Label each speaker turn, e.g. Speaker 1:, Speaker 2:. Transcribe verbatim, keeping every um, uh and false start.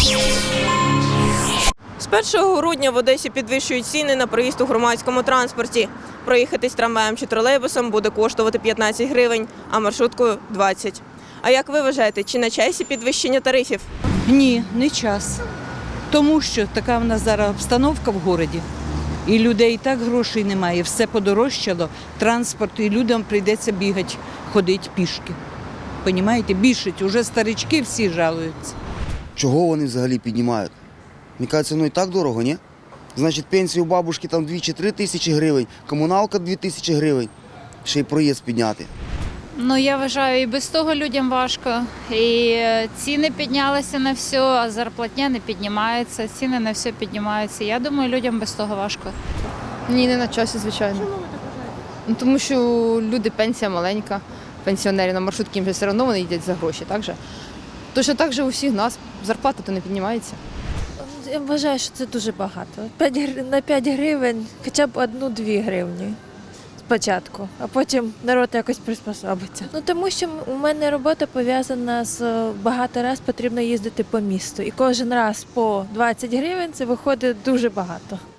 Speaker 1: З першого грудня в Одесі підвищують ціни на проїзд у громадському транспорті. Проїхатись трамваєм чи тролейбусом буде коштувати п'ятнадцять гривень, а маршруткою – двадцять. А як ви вважаєте, чи на часі підвищення тарифів?
Speaker 2: Ні, не час. Тому що така в нас зараз обстановка в місті. І людей і так грошей немає, все подорожчало, транспорт, і людям прийдеться бігати, ходити пішки. Понімаєте, більшить, уже старички всі жалуються.
Speaker 3: Чого вони взагалі піднімають? Мені кажеться, ну і так дорого, ні? Значить, пенсія у бабушки там дві чи три тисячі гривень, комуналка дві тисячі гривень, ще й проїзд підняти.
Speaker 4: Ну, я вважаю, і без того людям важко. І ціни піднялися на все, а зарплатня не піднімається, ціни на все піднімаються. Я думаю, людям без того важко.
Speaker 5: Ні, не на часі, звичайно. Чому ви так вважаєте? Ну, тому що люди, пенсія маленька, пенсіонери на маршрутки, їм же все одно вони їдять за гроші, так же? Точно так же у всіх нас, зарплата то не піднімається.
Speaker 6: Я вважаю, що це дуже багато. На п'ять гривень хоча б одну-дві гривні спочатку, а потім народ якось приспособиться. Ну тому що у мене робота пов'язана з багато раз потрібно їздити по місту. І кожен раз по двадцять гривень це виходить дуже багато.